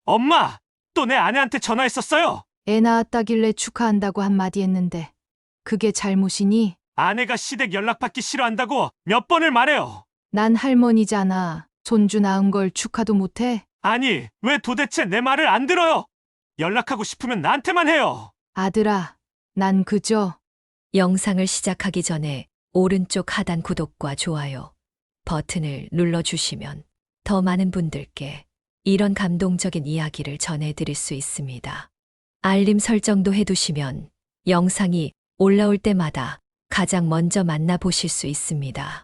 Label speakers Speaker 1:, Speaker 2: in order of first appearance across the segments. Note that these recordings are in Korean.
Speaker 1: 엄마! 또 내 아내한테 전화했었어요!
Speaker 2: 애 낳았다길래 축하한다고 한마디 했는데 그게 잘못이니?
Speaker 1: 아내가 시댁 연락받기 싫어한다고 몇 번을 말해요!
Speaker 2: 난 할머니잖아. 손주 낳은 걸 축하도 못해?
Speaker 1: 아니, 왜 도대체 내 말을 안 들어요? 연락하고 싶으면 나한테만 해요!
Speaker 2: 아들아, 난 그저
Speaker 3: 영상을 시작하기 전에 오른쪽 하단 구독과 좋아요 버튼을 눌러주시면 더 많은 분들께 이런 감동적인 이야기를 전해드릴 수 있습니다. 알림 설정도 해두시면 영상이 올라올 때마다 가장 먼저 만나보실 수 있습니다.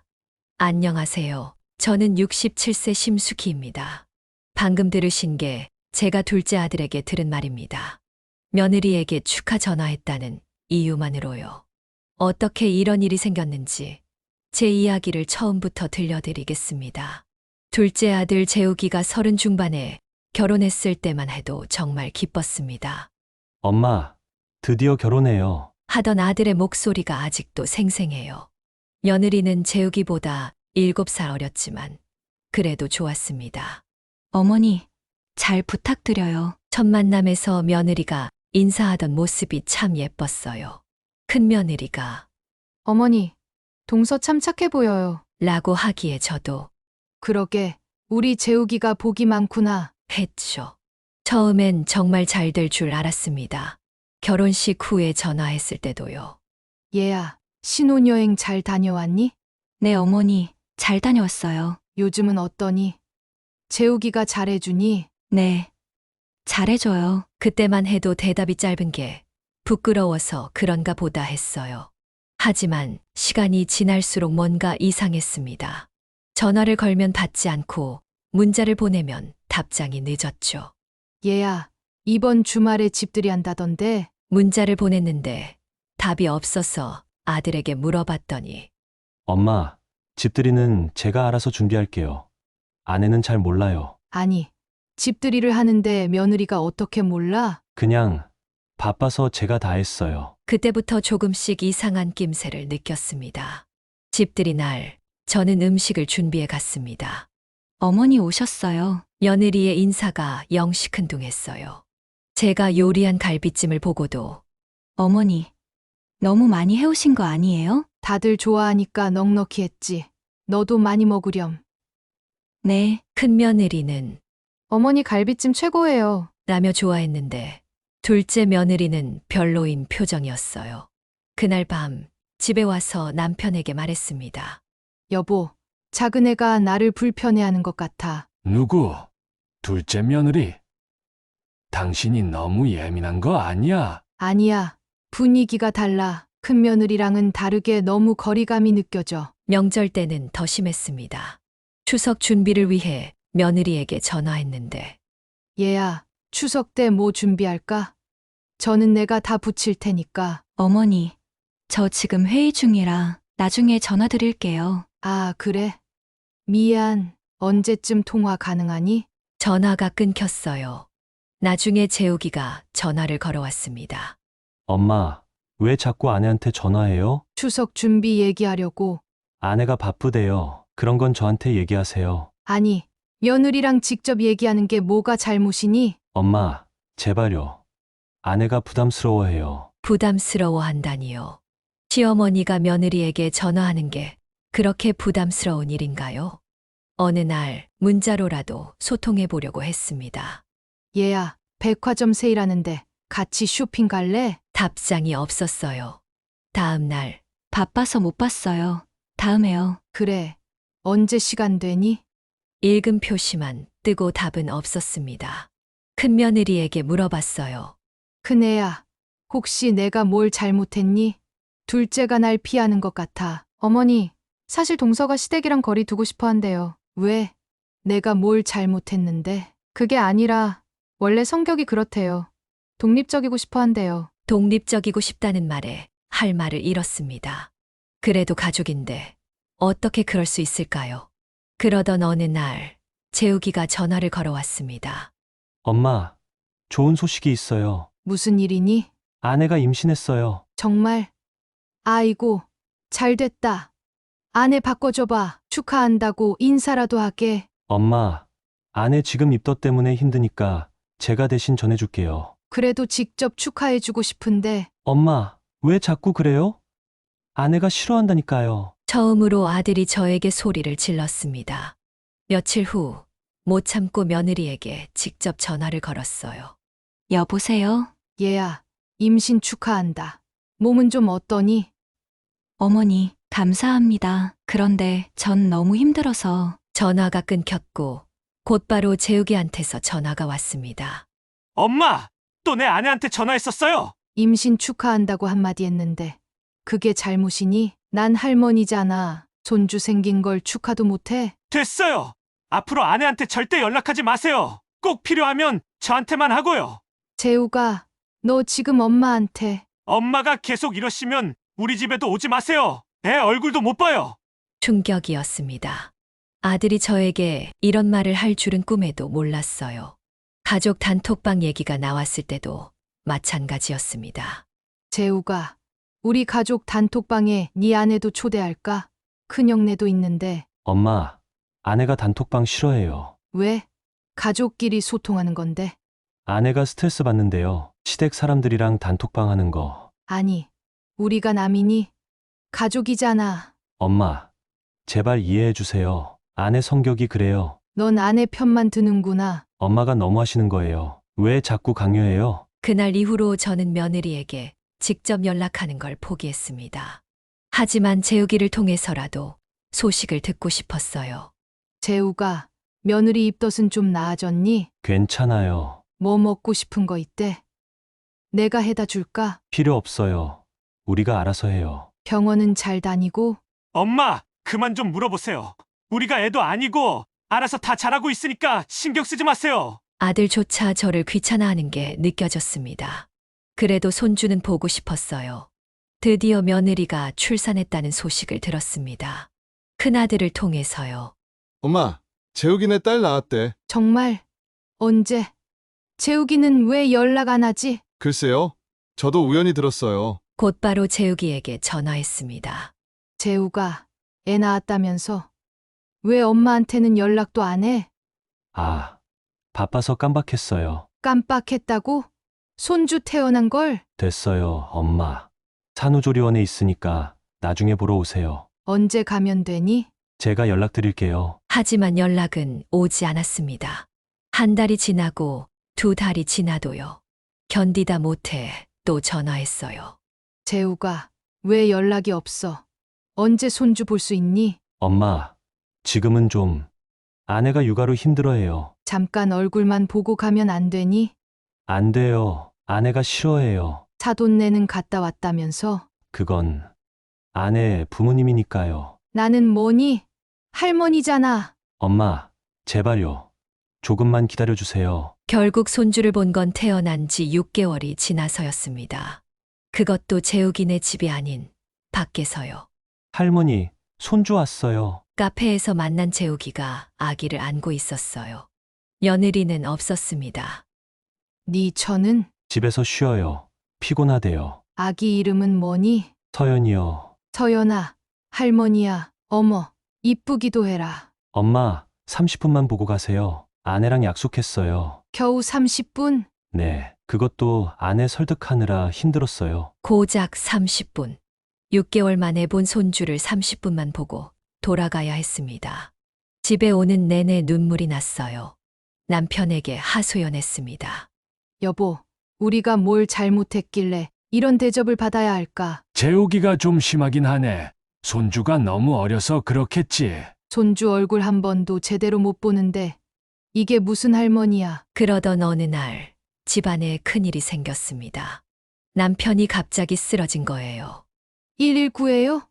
Speaker 3: 안녕하세요. 저는 67세 심수기입니다. 방금 들으신 게 제가 둘째 아들에게 들은 말입니다. 며느리에게 축하 전화했다는 이유만으로요. 어떻게 이런 일이 생겼는지 제 이야기를 처음부터 들려드리겠습니다. 둘째 아들 재욱이가 30 중반에 결혼했을 때만 해도 정말 기뻤습니다.
Speaker 4: 엄마, 드디어 결혼해요.
Speaker 3: 하던 아들의 목소리가 아직도 생생해요. 며느리는 재욱이보다 7살 어렸지만 그래도 좋았습니다.
Speaker 5: 어머니, 잘 부탁드려요.
Speaker 3: 첫 만남에서 며느리가 인사하던 모습이 참 예뻤어요. 큰 며느리가
Speaker 2: 어머니, 동서 참 착해 보여요.
Speaker 3: 라고 하기에 저도
Speaker 2: 그러게, 우리 재욱이가 복이 많구나.
Speaker 3: 했죠. 처음엔 정말 잘 될 줄 알았습니다. 결혼식 후에 전화했을 때도요.
Speaker 2: 얘야, 신혼여행 잘 다녀왔니?
Speaker 5: 네, 어머니, 잘 다녀왔어요.
Speaker 2: 요즘은 어떠니? 재욱이가 잘해주니?
Speaker 5: 네, 잘해줘요.
Speaker 3: 그때만 해도 대답이 짧은 게 부끄러워서 그런가 보다 했어요. 하지만 시간이 지날수록 뭔가 이상했습니다. 전화를 걸면 받지 않고 문자를 보내면 답장이 늦었죠.
Speaker 2: 얘야, 이번 주말에 집들이 한다던데?
Speaker 3: 문자를 보냈는데 답이 없어서 아들에게 물어봤더니
Speaker 4: 엄마, 집들이는 제가 알아서 준비할게요. 아내는 잘 몰라요.
Speaker 2: 아니, 집들이를 하는데 며느리가 어떻게 몰라?
Speaker 4: 그냥 바빠서 제가 다 했어요.
Speaker 3: 그때부터 조금씩 이상한 낌새를 느꼈습니다. 집들이 날 저는 음식을 준비해 갔습니다.
Speaker 5: 어머니 오셨어요.
Speaker 3: 며느리의 인사가 영 시큰둥했어요. 제가 요리한 갈비찜을 보고도
Speaker 5: 어머니, 너무 많이 해오신 거 아니에요?
Speaker 2: 다들 좋아하니까 넉넉히 했지. 너도 많이 먹으렴.
Speaker 5: 네,
Speaker 3: 큰 며느리는
Speaker 2: 어머니 갈비찜 최고예요.
Speaker 3: 라며 좋아했는데 둘째 며느리는 별로인 표정이었어요. 그날 밤 집에 와서 남편에게 말했습니다.
Speaker 2: 여보, 작은 애가 나를 불편해하는 것 같아.
Speaker 6: 누구? 둘째 며느리? 당신이 너무 예민한 거 아니야?
Speaker 2: 아니야, 분위기가 달라. 큰 며느리랑은 다르게 너무 거리감이 느껴져.
Speaker 3: 명절 때는 더 심했습니다. 추석 준비를 위해 며느리에게 전화했는데
Speaker 2: 얘야, 추석 때 뭐 준비할까? 저는 내가 다 부칠 테니까.
Speaker 5: 어머니, 저 지금 회의 중이라 나중에 전화 드릴게요.
Speaker 2: 아, 그래? 미안. 언제쯤 통화 가능하니?
Speaker 3: 전화가 끊겼어요. 나중에 재욱이가 전화를 걸어왔습니다.
Speaker 4: 엄마, 왜 자꾸 아내한테 전화해요?
Speaker 2: 추석 준비 얘기하려고.
Speaker 4: 아내가 바쁘대요. 그런 건 저한테 얘기하세요.
Speaker 2: 아니, 며느리랑 직접 얘기하는 게 뭐가 잘못이니?
Speaker 4: 엄마, 제발요. 아내가 부담스러워해요.
Speaker 3: 부담스러워한다니요. 시어머니가 며느리에게 전화하는 게 그렇게 부담스러운 일인가요? 어느 날 문자로라도 소통해 보려고 했습니다.
Speaker 2: 얘야, 백화점 세일하는데 같이 쇼핑 갈래?
Speaker 3: 답장이 없었어요. 다음 날
Speaker 5: 바빠서 못 봤어요. 다음에요.
Speaker 2: 그래. 언제 시간 되니?
Speaker 3: 읽음 표시만 뜨고 답은 없었습니다. 큰 며느리에게 물어봤어요.
Speaker 2: 큰애야, 혹시 내가 뭘 잘못했니? 둘째가 날 피하는 것 같아. 어머니, 사실 동서가 시댁이랑 거리 두고 싶어 한대요. 왜? 내가 뭘 잘못했는데? 그게 아니라 원래 성격이 그렇대요. 독립적이고 싶어 한대요.
Speaker 3: 독립적이고 싶다는 말에 할 말을 잃었습니다. 그래도 가족인데 어떻게 그럴 수 있을까요? 그러던 어느 날 재욱이가 전화를 걸어왔습니다.
Speaker 4: 엄마, 좋은 소식이 있어요.
Speaker 2: 무슨 일이니?
Speaker 4: 아내가 임신했어요.
Speaker 2: 정말? 아이고, 잘 됐다. 아내 바꿔줘봐. 축하한다고 인사라도 하게.
Speaker 4: 엄마, 아내 지금 입덧 때문에 힘드니까 제가 대신 전해줄게요.
Speaker 2: 그래도 직접 축하해주고 싶은데
Speaker 4: 엄마, 왜 자꾸 그래요? 아내가 싫어한다니까요.
Speaker 3: 처음으로 아들이 저에게 소리를 질렀습니다. 며칠 후 못 참고 며느리에게 직접 전화를 걸었어요.
Speaker 5: 여보세요?
Speaker 2: 얘야, 임신 축하한다. 몸은 좀 어떠니?
Speaker 5: 어머니, 감사합니다. 그런데 전 너무 힘들어서
Speaker 3: 전화가 끊겼고 곧바로 재욱이한테서 전화가 왔습니다.
Speaker 1: 엄마! 또 내 아내한테 전화했었어요!
Speaker 2: 임신 축하한다고 한마디 했는데 그게 잘못이니? 난 할머니잖아. 손주 생긴 걸 축하도 못해?
Speaker 1: 됐어요! 앞으로 아내한테 절대 연락하지 마세요! 꼭 필요하면 저한테만 하고요!
Speaker 2: 재우가, 너 지금 엄마한테
Speaker 1: 엄마가 계속 이러시면 우리 집에도 오지 마세요! 애 얼굴도 못 봐요!
Speaker 3: 충격이었습니다. 아들이 저에게 이런 말을 할 줄은 꿈에도 몰랐어요. 가족 단톡방 얘기가 나왔을 때도 마찬가지였습니다.
Speaker 2: 재우가, 우리 가족 단톡방에 네 아내도 초대할까? 큰형네도 있는데
Speaker 4: 엄마, 아내가 단톡방 싫어해요.
Speaker 2: 왜? 가족끼리 소통하는 건데.
Speaker 4: 아내가 스트레스 받는데요. 시댁 사람들이랑 단톡방 하는 거.
Speaker 2: 아니, 우리가 남이니? 가족이잖아.
Speaker 4: 엄마, 제발 이해해 주세요. 아내 성격이 그래요.
Speaker 2: 넌 아내 편만 드는구나.
Speaker 4: 엄마가 너무 하시는 거예요. 왜 자꾸 강요해요?
Speaker 3: 그날 이후로 저는 며느리에게 직접 연락하는 걸 포기했습니다. 하지만 재욱이를 통해서라도 소식을 듣고 싶었어요.
Speaker 2: 재우가, 며느리 입덧은 좀 나아졌니?
Speaker 4: 괜찮아요.
Speaker 2: 뭐 먹고 싶은 거 있대? 내가 해다 줄까?
Speaker 4: 필요 없어요. 우리가 알아서 해요.
Speaker 2: 병원은 잘 다니고?
Speaker 1: 엄마! 그만 좀 물어보세요. 우리가 애도 아니고 알아서 다 잘하고 있으니까 신경 쓰지 마세요!
Speaker 3: 아들조차 저를 귀찮아하는 게 느껴졌습니다. 그래도 손주는 보고 싶었어요. 드디어 며느리가 출산했다는 소식을 들었습니다. 큰아들을 통해서요.
Speaker 7: 엄마, 재욱이네 딸 낳았대.
Speaker 2: 정말? 언제? 재욱이는 왜 연락 안 하지?
Speaker 7: 글쎄요. 저도 우연히 들었어요.
Speaker 3: 곧바로 재욱이에게 전화했습니다.
Speaker 2: 재우가, 애 낳았다면서? 왜 엄마한테는 연락도 안 해?
Speaker 4: 아, 바빠서 깜빡했어요.
Speaker 2: 깜빡했다고? 손주 태어난 걸?
Speaker 4: 됐어요, 엄마. 산후조리원에 있으니까 나중에 보러 오세요.
Speaker 2: 언제 가면 되니?
Speaker 4: 제가 연락드릴게요.
Speaker 3: 하지만 연락은 오지 않았습니다. 한 달이 지나고 두 달이 지나도요. 견디다 못해 또 전화했어요.
Speaker 2: 재우가, 왜 연락이 없어? 언제 손주 볼 수 있니?
Speaker 4: 엄마, 지금은 좀 아내가 육아로 힘들어해요.
Speaker 2: 잠깐 얼굴만 보고 가면 안 되니?
Speaker 4: 안 돼요. 아내가 싫어해요.
Speaker 2: 사돈네는 갔다 왔다면서?
Speaker 4: 그건 아내 부모님이니까요.
Speaker 2: 나는 뭐니? 할머니잖아.
Speaker 4: 엄마, 제발요. 조금만 기다려주세요.
Speaker 3: 결국 손주를 본 건 태어난 지 6개월이 지나서였습니다. 그것도 재욱이네 집이 아닌 밖에서요.
Speaker 4: 할머니, 손주 왔어요.
Speaker 3: 카페에서 만난 재욱이가 아기를 안고 있었어요. 며느리는 없었습니다.
Speaker 2: 네 처는?
Speaker 4: 집에서 쉬어요. 피곤하대요.
Speaker 2: 아기 이름은 뭐니?
Speaker 4: 서연이요.
Speaker 2: 서연아, 할머니야, 어머, 이쁘기도 해라.
Speaker 4: 엄마, 30분만 보고 가세요. 아내랑 약속했어요.
Speaker 2: 겨우 30분?
Speaker 4: 네, 그것도 아내 설득하느라 힘들었어요.
Speaker 3: 고작 30분. 6개월 만에 본 손주를 30분만 보고 돌아가야 했습니다. 집에 오는 내내 눈물이 났어요. 남편에게 하소연했습니다.
Speaker 2: 여보, 우리가 뭘 잘못했길래 이런 대접을 받아야 할까?
Speaker 6: 재욱이가 좀 심하긴 하네. 손주가 너무 어려서 그렇겠지.
Speaker 2: 손주 얼굴 한 번도 제대로 못 보는데 이게 무슨 할머니야?
Speaker 3: 그러던 어느 날 집안에 큰일이 생겼습니다. 남편이 갑자기 쓰러진 거예요.
Speaker 2: 119예요?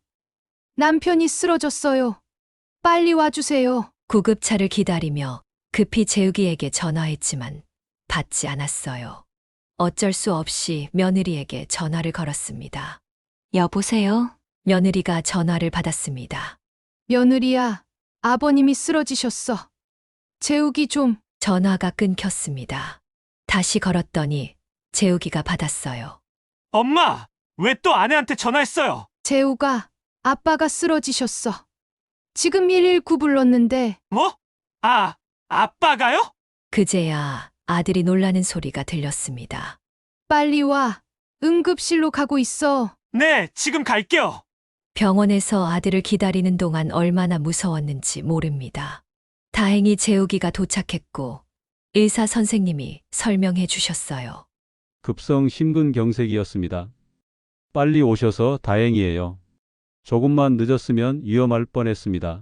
Speaker 2: 남편이 쓰러졌어요. 빨리 와주세요.
Speaker 3: 구급차를 기다리며 급히 재욱이에게 전화했지만 받지 않았어요. 어쩔 수 없이 며느리에게 전화를 걸었습니다.
Speaker 5: 여보세요?
Speaker 3: 며느리가 전화를 받았습니다.
Speaker 2: 며느리야, 아버님이 쓰러지셨어. 재욱이 좀.
Speaker 3: 전화가 끊겼습니다. 다시 걸었더니 재욱이가 받았어요.
Speaker 1: 엄마! 왜 또 아내한테 전화했어요?
Speaker 2: 재욱아, 아빠가 쓰러지셨어. 지금 119 불렀는데
Speaker 1: 뭐? 아, 아빠가요?
Speaker 3: 그제야 아들이 놀라는 소리가 들렸습니다.
Speaker 2: 빨리 와. 응급실로 가고 있어.
Speaker 1: 네, 지금 갈게요.
Speaker 3: 병원에서 아들을 기다리는 동안 얼마나 무서웠는지 모릅니다. 다행히 재욱이가 도착했고 의사 선생님이 설명해 주셨어요.
Speaker 8: 급성 심근경색이었습니다. 빨리 오셔서 다행이에요. 조금만 늦었으면 위험할 뻔했습니다.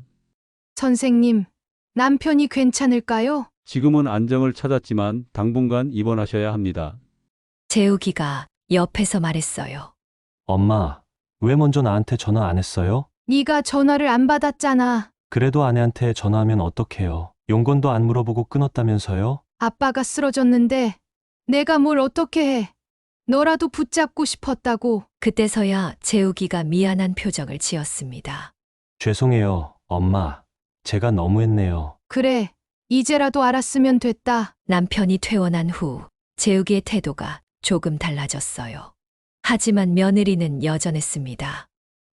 Speaker 2: 선생님, 남편이 괜찮을까요?
Speaker 8: 지금은 안정을 찾았지만 당분간 입원하셔야 합니다.
Speaker 3: 재욱이가 옆에서 말했어요.
Speaker 4: 엄마, 왜 먼저 나한테 전화 안 했어요?
Speaker 2: 네가 전화를 안 받았잖아.
Speaker 4: 그래도 아내한테 전화하면 어떡해요? 용건도 안 물어보고 끊었다면서요?
Speaker 2: 아빠가 쓰러졌는데 내가 뭘 어떻게 해. 너라도 붙잡고 싶었다고.
Speaker 3: 그때서야 재욱이가 미안한 표정을 지었습니다.
Speaker 4: 죄송해요, 엄마. 제가 너무했네요.
Speaker 2: 그래, 이제라도 알았으면 됐다.
Speaker 3: 남편이 퇴원한 후 재욱이의 태도가 조금 달라졌어요. 하지만 며느리는 여전했습니다.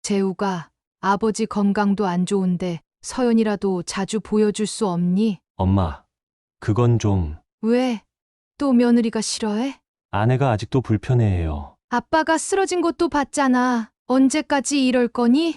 Speaker 2: 재우가 아버지 건강도 안 좋은데 서연이라도 자주 보여줄 수 없니?
Speaker 4: 엄마, 그건 좀
Speaker 2: 왜? 또 며느리가 싫어해?
Speaker 4: 아내가 아직도 불편해해요.
Speaker 2: 아빠가 쓰러진 것도 봤잖아. 언제까지 이럴 거니?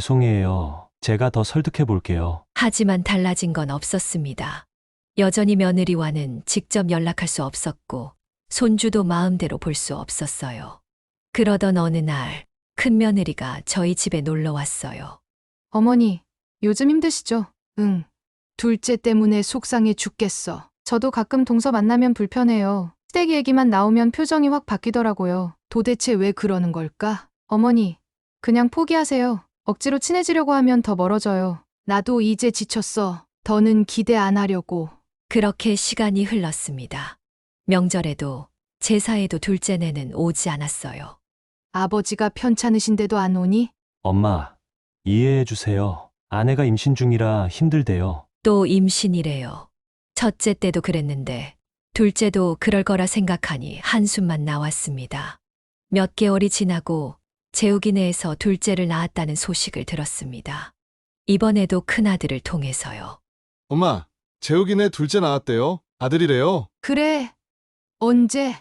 Speaker 4: 죄송해요. 제가 더 설득해 볼게요.
Speaker 3: 하지만 달라진 건 없었습니다. 여전히 며느리와는 직접 연락할 수 없었고 손주도 마음대로 볼 수 없었어요. 그러던 어느 날 큰며느리가 저희 집에 놀러 왔어요.
Speaker 2: 어머니, 요즘 힘드시죠? 응. 둘째 때문에 속상해 죽겠어. 저도 가끔 동서 만나면 불편해요. 시댁 얘기만 나오면 표정이 확 바뀌더라고요. 도대체 왜 그러는 걸까? 어머니, 그냥 포기하세요. 억지로 친해지려고 하면 더 멀어져요. 나도 이제 지쳤어. 더는 기대 안 하려고.
Speaker 3: 그렇게 시간이 흘렀습니다. 명절에도 제사에도 둘째네는 오지 않았어요.
Speaker 2: 아버지가 편찮으신데도 안 오니?
Speaker 4: 엄마, 이해해 주세요. 아내가 임신 중이라 힘들대요.
Speaker 3: 또 임신이래요. 첫째 때도 그랬는데 둘째도 그럴 거라 생각하니 한숨만 나왔습니다. 몇 개월이 지나고 재욱이네에서 둘째를 낳았다는 소식을 들었습니다. 이번에도 큰아들을 통해서요.
Speaker 7: 엄마, 재욱이네 둘째 나왔대요. 아들이래요.
Speaker 2: 그래. 언제?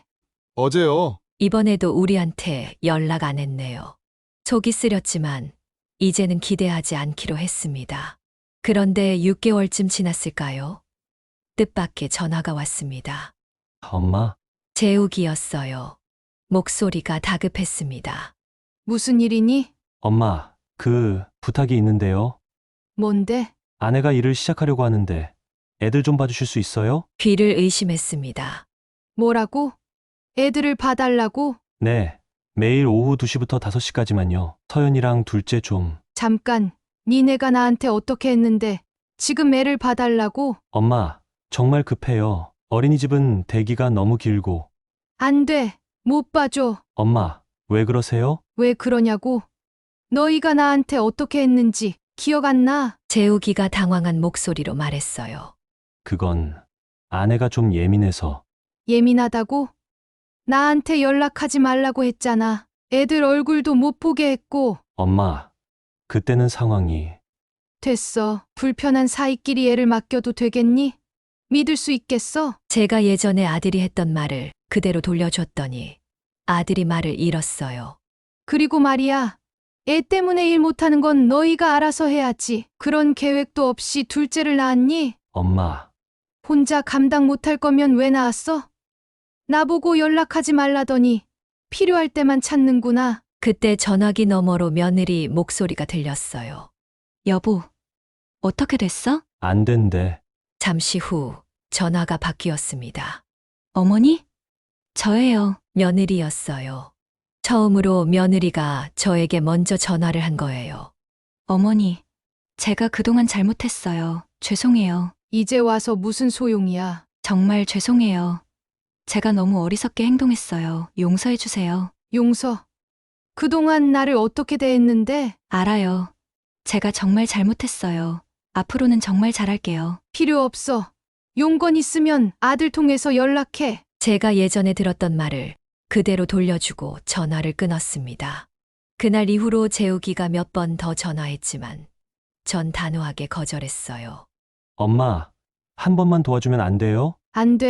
Speaker 7: 어제요.
Speaker 3: 이번에도 우리한테 연락 안 했네요. 속이 쓰렸지만 이제는 기대하지 않기로 했습니다. 그런데 6개월쯤 지났을까요? 뜻밖의 전화가 왔습니다.
Speaker 4: 엄마,
Speaker 3: 재욱이었어요. 목소리가 다급했습니다.
Speaker 2: 무슨 일이니?
Speaker 4: 엄마, 부탁이 있는데요.
Speaker 2: 뭔데?
Speaker 4: 아내가 일을 시작하려고 하는데 애들 좀 봐주실 수 있어요?
Speaker 3: 귀를 의심했습니다.
Speaker 2: 뭐라고? 애들을 봐달라고?
Speaker 4: 네. 매일 오후 2시부터 5시까지만요. 서연이랑 둘째 좀.
Speaker 2: 잠깐, 니네가 나한테 어떻게 했는데 지금 애를 봐달라고?
Speaker 4: 엄마, 정말 급해요. 어린이집은 대기가 너무 길고.
Speaker 2: 안 돼. 못 봐줘.
Speaker 4: 엄마, 왜 그러세요?
Speaker 2: 왜 그러냐고? 너희가 나한테 어떻게 했는지 기억 안 나?
Speaker 3: 재욱이가 당황한 목소리로 말했어요.
Speaker 4: 그건 아내가 좀 예민해서.
Speaker 2: 예민하다고? 나한테 연락하지 말라고 했잖아. 애들 얼굴도 못 보게 했고.
Speaker 4: 엄마, 그때는 상황이.
Speaker 2: 됐어. 불편한 사이끼리 애를 맡겨도 되겠니? 믿을 수 있겠어?
Speaker 3: 제가 예전에 아들이 했던 말을 그대로 돌려줬더니 아들이 말을 잃었어요.
Speaker 2: 그리고 말이야. 애 때문에 일 못하는 건 너희가 알아서 해야지. 그런 계획도 없이 둘째를 낳았니?
Speaker 4: 엄마,
Speaker 2: 혼자 감당 못할 거면 왜 낳았어? 나보고 연락하지 말라더니 필요할 때만 찾는구나.
Speaker 3: 그때 전화기 너머로 며느리 목소리가 들렸어요.
Speaker 5: 여보, 어떻게 됐어?
Speaker 4: 안 된대.
Speaker 3: 잠시 후 전화가 바뀌었습니다.
Speaker 5: 어머니? 저예요.
Speaker 3: 며느리였어요. 처음으로 며느리가 저에게 먼저 전화를 한 거예요.
Speaker 5: 어머니, 제가 그동안 잘못했어요. 죄송해요.
Speaker 2: 이제 와서 무슨 소용이야.
Speaker 5: 정말 죄송해요. 제가 너무 어리석게 행동했어요. 용서해주세요.
Speaker 2: 용서. 그동안 나를 어떻게 대했는데?
Speaker 5: 알아요. 제가 정말 잘못했어요. 앞으로는 정말 잘할게요.
Speaker 2: 필요 없어. 용건 있으면 아들 통해서 연락해.
Speaker 3: 제가 예전에 들었던 말을 그대로 돌려주고 전화를 끊었습니다. 그날 이후로 재욱이가 몇 번 더 전화했지만 전 단호하게 거절했어요.
Speaker 4: 엄마, 한 번만 도와주면 안 돼요?
Speaker 2: 안 돼.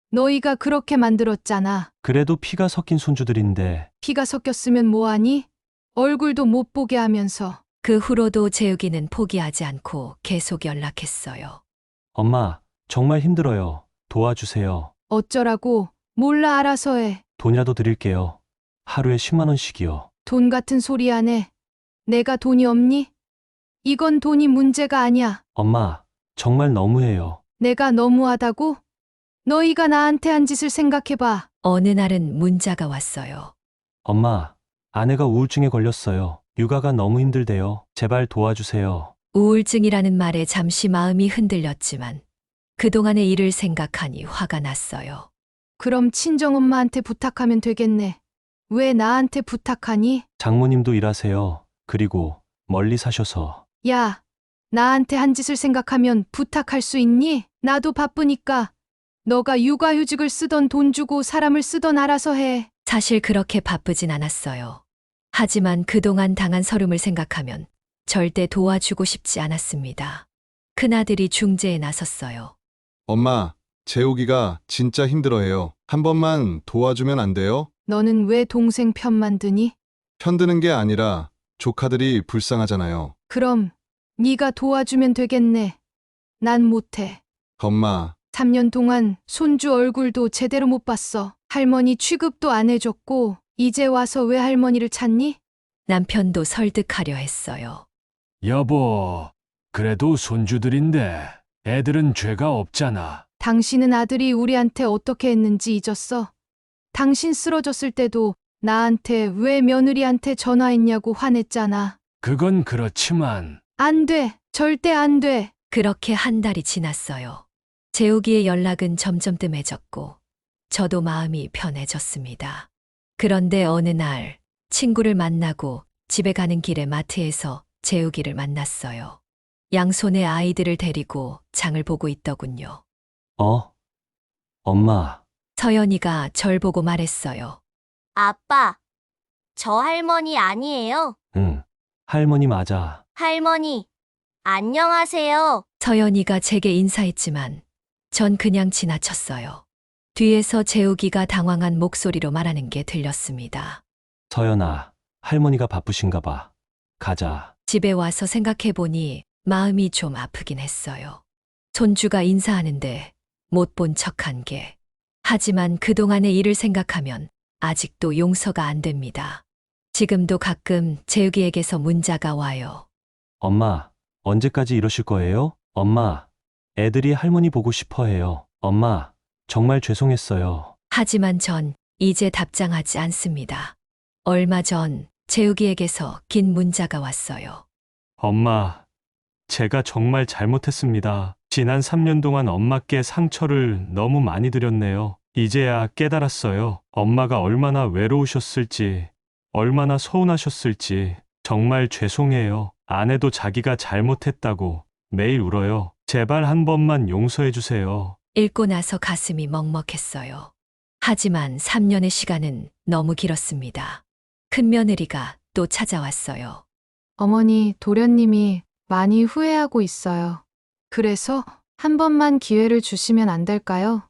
Speaker 2: 너희가 그렇게 만들었잖아.
Speaker 4: 그래도 피가 섞인 손주들인데
Speaker 2: 피가 섞였으면 뭐하니? 얼굴도 못 보게 하면서.
Speaker 3: 그 후로도 재욱이는 포기하지 않고 계속 연락했어요.
Speaker 4: 엄마, 정말 힘들어요. 도와주세요.
Speaker 2: 어쩌라고? 몰라 알아서 해.
Speaker 4: 돈이라도 드릴게요. 하루에 10만 원씩이요.
Speaker 2: 돈 같은 소리 안 해. 내가 돈이 없니? 이건 돈이 문제가 아니야.
Speaker 4: 엄마, 정말 너무해요.
Speaker 2: 내가 너무하다고? 너희가 나한테 한 짓을 생각해봐.
Speaker 3: 어느 날은 문자가 왔어요.
Speaker 4: 엄마, 아내가 우울증에 걸렸어요. 육아가 너무 힘들대요. 제발 도와주세요.
Speaker 3: 우울증이라는 말에 잠시 마음이 흔들렸지만 그동안의 일을 생각하니 화가 났어요.
Speaker 2: 그럼 친정엄마한테 부탁하면 되겠네. 왜 나한테 부탁하니?
Speaker 4: 장모님도 일하세요. 그리고 멀리 사셔서.
Speaker 2: 야, 나한테 한 짓을 생각하면 부탁할 수 있니? 나도 바쁘니까. 너가 육아휴직을 쓰던 돈 주고 사람을 쓰던 알아서 해.
Speaker 3: 사실 그렇게 바쁘진 않았어요. 하지만 그동안 당한 서름을 생각하면 절대 도와주고 싶지 않았습니다. 큰아들이 중재에 나섰어요.
Speaker 7: 엄마, 재욱이가 진짜 힘들어해요. 한 번만 도와주면 안 돼요?
Speaker 2: 너는 왜 동생 편만 드니?
Speaker 7: 편드는 게 아니라 조카들이 불쌍하잖아요.
Speaker 2: 그럼 네가 도와주면 되겠네. 난 못해.
Speaker 7: 엄마,
Speaker 2: 3년 동안 손주 얼굴도 제대로 못 봤어. 할머니 취급도 안 해줬고 이제 와서 왜 할머니를 찾니?
Speaker 3: 남편도 설득하려 했어요.
Speaker 6: 여보, 그래도 손주들인데 애들은 죄가 없잖아.
Speaker 2: 당신은 아들이 우리한테 어떻게 했는지 잊었어? 당신 쓰러졌을 때도 나한테 왜 며느리한테 전화했냐고 화냈잖아.
Speaker 6: 그건 그렇지만
Speaker 2: 안 돼. 절대 안 돼.
Speaker 3: 그렇게 한 달이 지났어요. 재욱이의 연락은 점점 뜸해졌고 저도 마음이 편해졌습니다. 그런데 어느 날 친구를 만나고 집에 가는 길에 마트에서 재욱이를 만났어요. 양손에 아이들을 데리고 장을 보고 있더군요.
Speaker 4: 엄마,
Speaker 3: 서연이가 절 보고 말했어요.
Speaker 9: 아빠, 저 할머니 아니에요?
Speaker 4: 응. 할머니 맞아.
Speaker 9: 할머니, 안녕하세요.
Speaker 3: 서연이가 제게 인사했지만 전 그냥 지나쳤어요. 뒤에서 재욱이가 당황한 목소리로 말하는 게 들렸습니다.
Speaker 4: 서연아, 할머니가 바쁘신가 봐. 가자.
Speaker 3: 집에 와서 생각해보니 마음이 좀 아프긴 했어요. 손주가 인사하는데 못 본 척한 게. 하지만 그동안의 일을 생각하면 아직도 용서가 안 됩니다. 지금도 가끔 재욱이에게서 문자가 와요.
Speaker 4: 엄마, 언제까지 이러실 거예요? 엄마, 애들이 할머니 보고 싶어 해요. 엄마, 정말 죄송했어요.
Speaker 3: 하지만 전 이제 답장하지 않습니다. 얼마 전 재욱이에게서 긴 문자가 왔어요.
Speaker 1: 엄마, 제가 정말 잘못했습니다. 지난 3년 동안 엄마께 상처를 너무 많이 드렸네요. 이제야 깨달았어요. 엄마가 얼마나 외로우셨을지, 얼마나 서운하셨을지. 정말 죄송해요. 아내도 자기가 잘못했다고 매일 울어요. 제발 한 번만 용서해 주세요.
Speaker 3: 읽고 나서 가슴이 먹먹했어요. 하지만 3년의 시간은 너무 길었습니다. 큰며느리가 또 찾아왔어요.
Speaker 2: 어머니, 도련님이 많이 후회하고 있어요. 그래서 한 번만 기회를 주시면 안 될까요?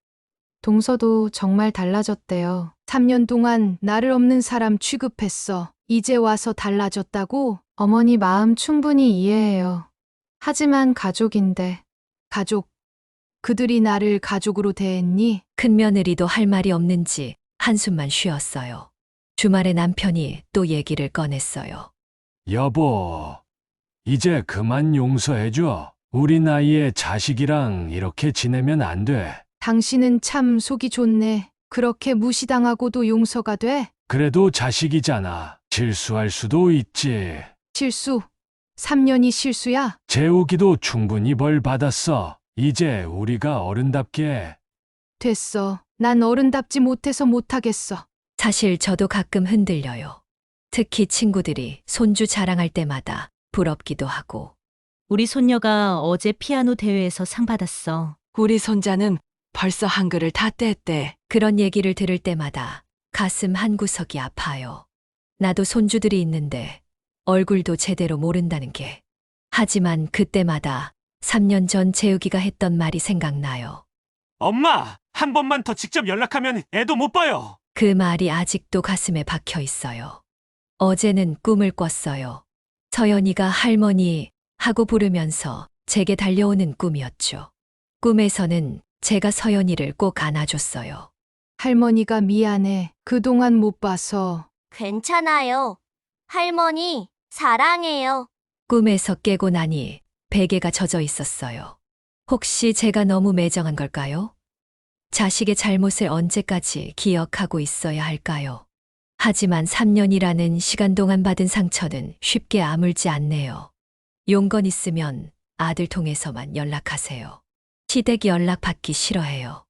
Speaker 2: 동서도 정말 달라졌대요. 3년 동안 나를 없는 사람 취급했어. 이제 와서 달라졌다고? 어머니 마음 충분히 이해해요. 하지만 가족인데. 가족. 그들이 나를 가족으로 대했니?
Speaker 3: 큰며느리도 할 말이 없는지 한숨만 쉬었어요. 주말에 남편이 또 얘기를 꺼냈어요.
Speaker 6: 여보, 이제 그만 용서해줘. 우리 나이에 자식이랑 이렇게 지내면 안 돼.
Speaker 2: 당신은 참 속이 좋네. 그렇게 무시당하고도 용서가 돼?
Speaker 6: 그래도 자식이잖아. 실수할 수도 있지.
Speaker 2: 실수. 3년이 실수야?
Speaker 6: 재욱이도 충분히 벌 받았어. 이제 우리가 어른답게.
Speaker 2: 됐어. 난 어른답지 못해서 못하겠어.
Speaker 3: 사실 저도 가끔 흔들려요. 특히 친구들이 손주 자랑할 때마다 부럽기도 하고.
Speaker 10: 우리 손녀가 어제 피아노 대회에서 상 받았어.
Speaker 11: 우리 손자는 벌써 한글을 다 뗐대.
Speaker 3: 그런 얘기를 들을 때마다 가슴 한구석이 아파요. 나도 손주들이 있는데 얼굴도 제대로 모른다는 게. 하지만 그때마다 3년 전 재욱이가 했던 말이 생각나요.
Speaker 1: 엄마, 한 번만 더 직접 연락하면 애도 못 봐요.
Speaker 3: 그 말이 아직도 가슴에 박혀 있어요. 어제는 꿈을 꿨어요. 서연이가 할머니 하고 부르면서 제게 달려오는 꿈이었죠. 꿈에서는 제가 서연이를 꼭 안아줬어요.
Speaker 2: 할머니가 미안해. 그동안 못 봐서.
Speaker 9: 괜찮아요. 할머니, 사랑해요.
Speaker 3: 꿈에서 깨고 나니 베개가 젖어 있었어요. 혹시 제가 너무 매정한 걸까요? 자식의 잘못을 언제까지 기억하고 있어야 할까요? 하지만 3년이라는 시간 동안 받은 상처는 쉽게 아물지 않네요. 용건 있으면 아들 통해서만 연락하세요. 시댁 연락 받기 싫어해요.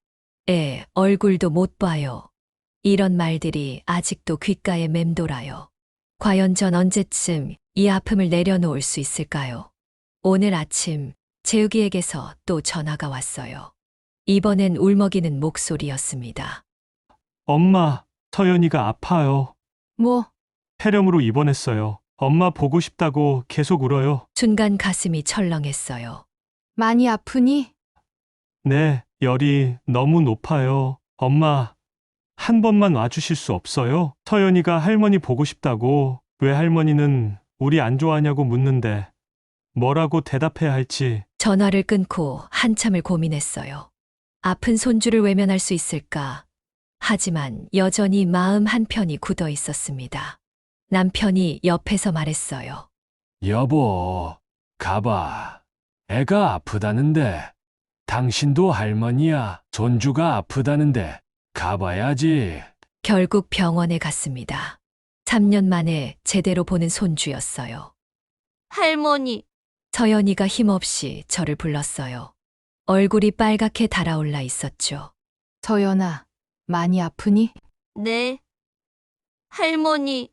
Speaker 3: 얼굴도 못 봐요. 이런 말들이 아직도 귓가에 맴돌아요. 과연 전 언제쯤 이 아픔을 내려놓을 수 있을까요? 오늘 아침 재욱이에게서 또 전화가 왔어요. 이번엔 울먹이는 목소리였습니다.
Speaker 1: 엄마, 서연이가 아파요.
Speaker 2: 뭐,
Speaker 1: 폐렴으로 입원했어요. 엄마 보고 싶다고 계속 울어요.
Speaker 3: 순간 가슴이 철렁했어요.
Speaker 2: 많이 아프니?
Speaker 1: 네, 열이 너무 높아요. 엄마, 한 번만 와주실 수 없어요? 서연이가 할머니 보고 싶다고. 왜 할머니는 우리 안 좋아하냐고 묻는데 뭐라고 대답해야 할지.
Speaker 3: 전화를 끊고 한참을 고민했어요. 아픈 손주를 외면할 수 있을까? 하지만 여전히 마음 한편이 굳어 있었습니다. 남편이 옆에서 말했어요.
Speaker 6: 여보, 가봐. 애가 아프다는데. 당신도 할머니야. 손주가 아프다는데 가봐야지.
Speaker 3: 결국 병원에 갔습니다. 3년 만에 제대로 보는 손주였어요.
Speaker 9: 할머니,
Speaker 3: 서연이가 힘없이 저를 불렀어요. 얼굴이 빨갛게 달아올라 있었죠.
Speaker 2: 서연아, 많이 아프니?
Speaker 9: 네. 할머니,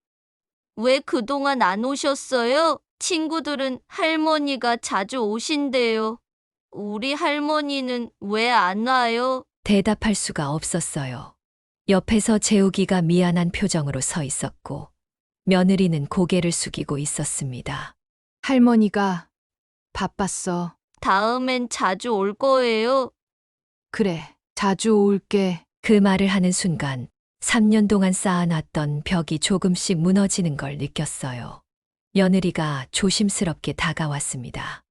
Speaker 9: 왜 그동안 안 오셨어요? 친구들은 할머니가 자주 오신대요. 우리 할머니는 왜 안 와요?
Speaker 3: 대답할 수가 없었어요. 옆에서 재욱이가 미안한 표정으로 서 있었고 며느리는 고개를 숙이고 있었습니다.
Speaker 2: 할머니가 바빴어.
Speaker 9: 다음엔 자주 올 거예요.
Speaker 2: 그래, 자주 올게.
Speaker 3: 그 말을 하는 순간 3년 동안 쌓아놨던 벽이 조금씩 무너지는 걸 느꼈어요. 며느리가 조심스럽게 다가왔습니다.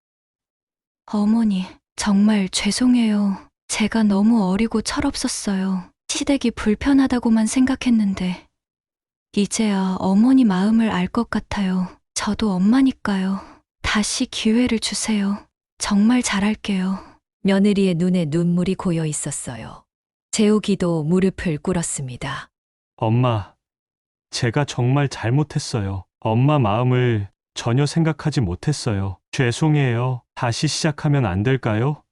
Speaker 5: 어머니, 정말 죄송해요. 제가 너무 어리고 철없었어요. 시댁이 불편하다고만 생각했는데. 이제야 어머니 마음을 알 것 같아요. 저도 엄마니까요. 다시 기회를 주세요. 정말 잘할게요.
Speaker 3: 며느리의 눈에 눈물이 고여 있었어요. 재욱이도 무릎을 꿇었습니다.
Speaker 1: 엄마, 제가 정말 잘못했어요. 엄마 마음을 전혀 생각하지 못했어요. 죄송해요. 다시 시작하면 안 될까요?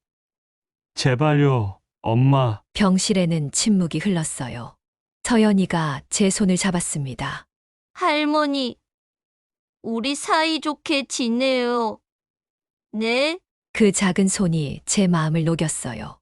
Speaker 1: 제발요, 엄마.
Speaker 3: 병실에는 침묵이 흘렀어요. 서연이가 제 손을 잡았습니다.
Speaker 9: 할머니, 우리 사이좋게 지내요. 네?
Speaker 3: 그 작은 손이 제 마음을 녹였어요.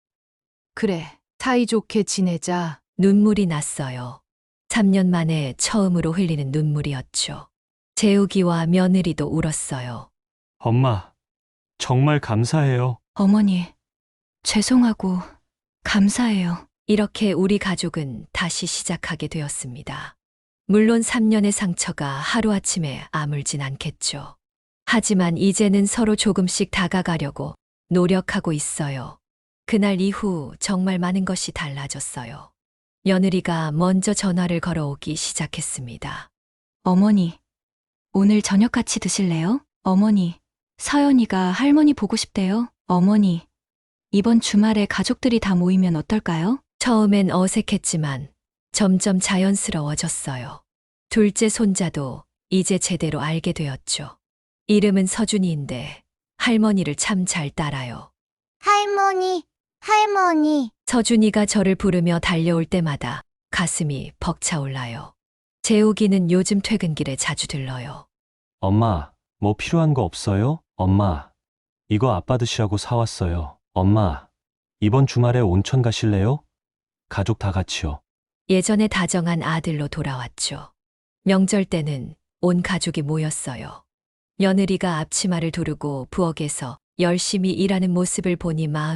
Speaker 2: 그래, 사이좋게 지내자.
Speaker 3: 눈물이 났어요. 3년 만에 처음으로 흘리는 눈물이었죠. 재욱이와 며느리도 울었어요.
Speaker 1: 엄마, 정말 감사해요.
Speaker 5: 어머니, 죄송하고 감사해요.
Speaker 3: 이렇게 우리 가족은 다시 시작하게 되었습니다. 물론 3년의 상처가 하루아침에 아물진 않겠죠. 하지만 이제는 서로 조금씩 다가가려고 노력하고 있어요. 그날 이후 정말 많은 것이 달라졌어요. 며느리가 먼저 전화를 걸어오기 시작했습니다.
Speaker 5: 어머니, 오늘 저녁 같이 드실래요? 어머니, 서연이가 할머니 보고 싶대요. 어머니, 이번 주말에 가족들이 다 모이면 어떨까요?
Speaker 3: 처음엔 어색했지만 점점 자연스러워졌어요. 둘째 손자도 이제 제대로 알게 되었죠. 이름은 서준이인데 할머니를 참 잘 따라요.
Speaker 9: 할머니, 할머니.
Speaker 3: 서준이가 저를 부르며 달려올 때마다 가슴이 벅차올라요. 재욱이는 요즘 퇴근길에 자주 들러요.
Speaker 4: 엄마, 뭐 필요한 거 없어요? 엄마, 이거 아빠 드시라고 사왔어요. 엄마, 이번 주말에 온천 가실래요? 가족 다 같이요.
Speaker 3: 예전에 다정한 아들로 돌아왔죠. 명절 때는 온 가족이 모였어요. 며느리가 앞치마를 두르고 부엌에서 열심히 일하는 모습을 보니 마음이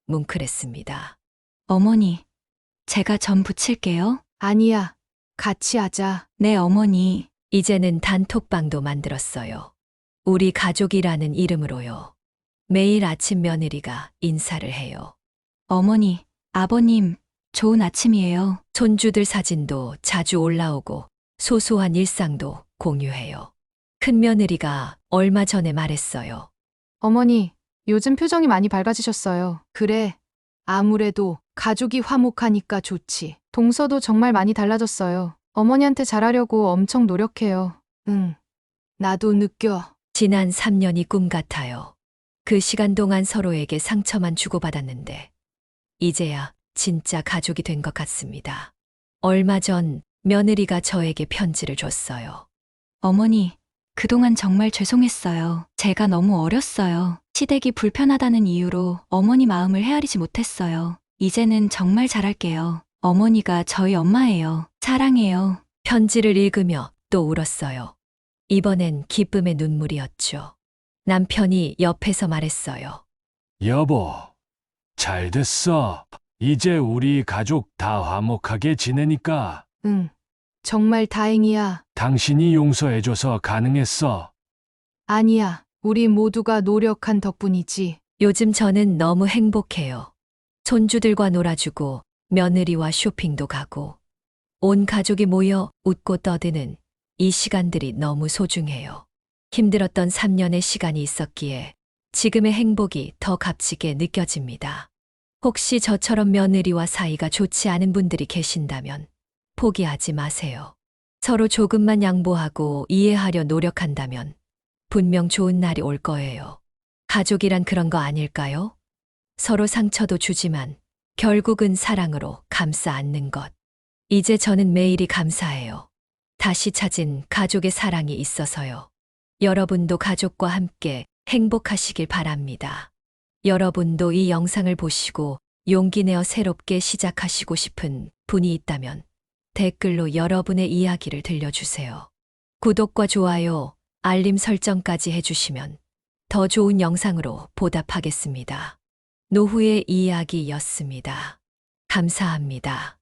Speaker 3: 뭉클했습니다.
Speaker 5: 어머니, 제가 전 부칠게요.
Speaker 2: 아니야. 같이 하자.
Speaker 5: 네, 어머니.
Speaker 3: 이제는 단톡방도 만들었어요. 우리 가족이라는 이름으로요. 매일 아침 며느리가 인사를 해요.
Speaker 5: 어머니, 아버님, 좋은 아침이에요.
Speaker 3: 손주들 사진도 자주 올라오고 소소한 일상도 공유해요. 큰 며느리가 얼마 전에 말했어요.
Speaker 2: 어머니, 요즘 표정이 많이 밝아지셨어요. 그래. 아무래도 가족이 화목하니까 좋지. 동서도 정말 많이 달라졌어요. 어머니한테 잘하려고 엄청 노력해요. 응. 나도 느껴.
Speaker 3: 지난 3년이 꿈 같아요. 그 시간 동안 서로에게 상처만 주고받았는데 이제야 진짜 가족이 된 것 같습니다. 얼마 전 며느리가 저에게 편지를 줬어요.
Speaker 5: 어머니, 그동안 정말 죄송했어요. 제가 너무 어렸어요. 시댁이 불편하다는 이유로 어머니 마음을 헤아리지 못했어요. 이제는 정말 잘할게요. 어머니가 저희 엄마예요. 사랑해요.
Speaker 3: 편지를 읽으며 또 울었어요. 이번엔 기쁨의 눈물이었죠. 남편이 옆에서 말했어요.
Speaker 6: 여보, 잘 됐어. 이제 우리 가족 다 화목하게 지내니까
Speaker 2: 응. 정말 다행이야.
Speaker 6: 당신이 용서해줘서 가능했어.
Speaker 2: 아니야. 우리 모두가 노력한 덕분이지.
Speaker 3: 요즘 저는 너무 행복해요. 손주들과 놀아주고 며느리와 쇼핑도 가고 온 가족이 모여 웃고 떠드는 이 시간들이 너무 소중해요. 힘들었던 3년의 시간이 있었기에 지금의 행복이 더 값지게 느껴집니다. 혹시 저처럼 며느리와 사이가 좋지 않은 분들이 계신다면 포기하지 마세요. 서로 조금만 양보하고 이해하려 노력한다면 분명 좋은 날이 올 거예요. 가족이란 그런 거 아닐까요? 서로 상처도 주지만 결국은 사랑으로 감싸 안는 것. 이제 저는 매일이 감사해요. 다시 찾은 가족의 사랑이 있어서요. 여러분도 가족과 함께 행복하시길 바랍니다. 여러분도 이 영상을 보시고 용기 내어 새롭게 시작하시고 싶은 분이 있다면 댓글로 여러분의 이야기를 들려주세요. 구독과 좋아요, 알림 설정까지 해주시면 더 좋은 영상으로 보답하겠습니다. 노후의 이야기였습니다. 감사합니다.